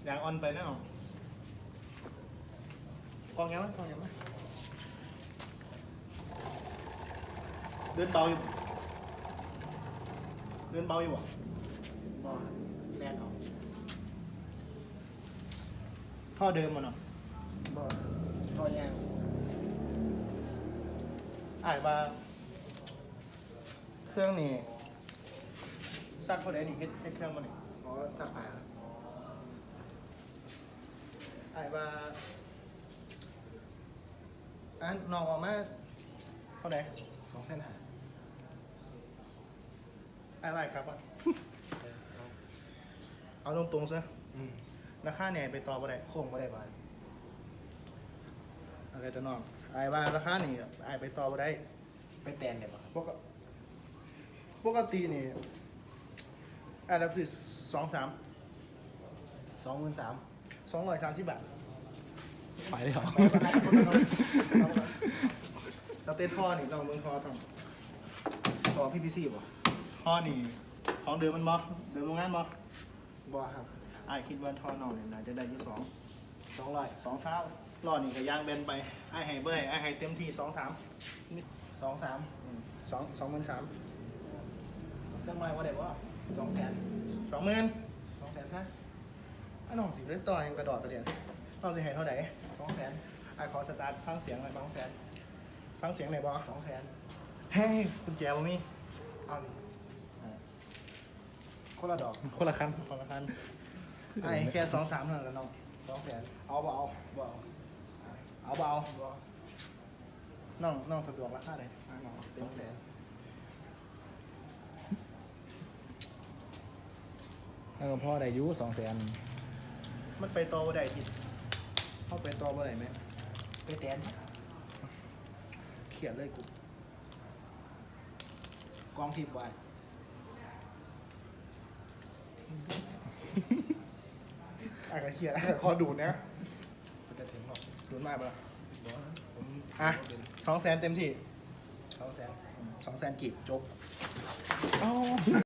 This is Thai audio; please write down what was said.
อย่างออนไปแน่นอนกองยังไหมกองยังไหมเดินเบาอยู่เดินเบาอยู่อ่ะบ่แรงเอาท่อเดิมมันเนาะบ่ท่อยางอ่านว่าเครื่องนี่ซักพอได้นี่เฮ็ดเครื่องมันนี่อ๋อซักผ้าอ่านว่าอันน้องออกมาเท่าไหร่2,500,000อะไรครับอ่ะ เอาตรงๆซะราคาเนี่ยไปต่อบ่ได้โค้งบ่ได้บาทอะไรจะน้องไอ้ว่าราคานี่ไอ้ไปต่อบ่ได้ไปแตนได้บ่ปกตินี่ไอ้รับสิ230,000 บาทไปเลยเหรอเราเต้นท่อนี่เราเมืองท่อทำท่อ PPC บ่ท่อนี่ของเดิมมันบ่เดิมโรงงานบ่ครับไอ้คิดว่าท่อนอกเนี่ยน่าจะได้ที่200 ล้อนี่ก็ย่างเบนไปไอ้ให้เบ่ได้ไอ้ให้เต็มที่23,000 23,000 จังไรว่าได้ว่า200,000 20,000 200,000ซะไอ้น้องสิเล่นต่อยังกระโดดประเดี๋ยวน้องสิให้เท่าไหร่ 200,000 ไอ้ขอสตาร์ทฟังเสียงหน่อย 200,000 ฟังเสียงหน่อยบ่ 200,000 เฮ้ยคุณแจบ่มีเอาคนละดอกคนละคันคนละคันไอ้แค่2-3เท่านั้นแหละน้อง 200,000 เอาบ่เอาบ่เอาบ่เอาบ่น้องสะดวกราคาเลยน้องเต็มที่ 200,000 แล้วก็พ่อได้อายุ200,000 มันไปต่อบ่ได้ทิศเข้าไปต่อบ่ได้ไหมไปแตนเขียนเลยกูกองทิพย์ไว้ไอ้ก็เขียนไอ้ก็คอดูดนะมันจะถึงหรอกดูดมากปะล่ะบ่ผมอ่ะ200,000เต็มที่ 200,000 200,000กีบจบเอ้า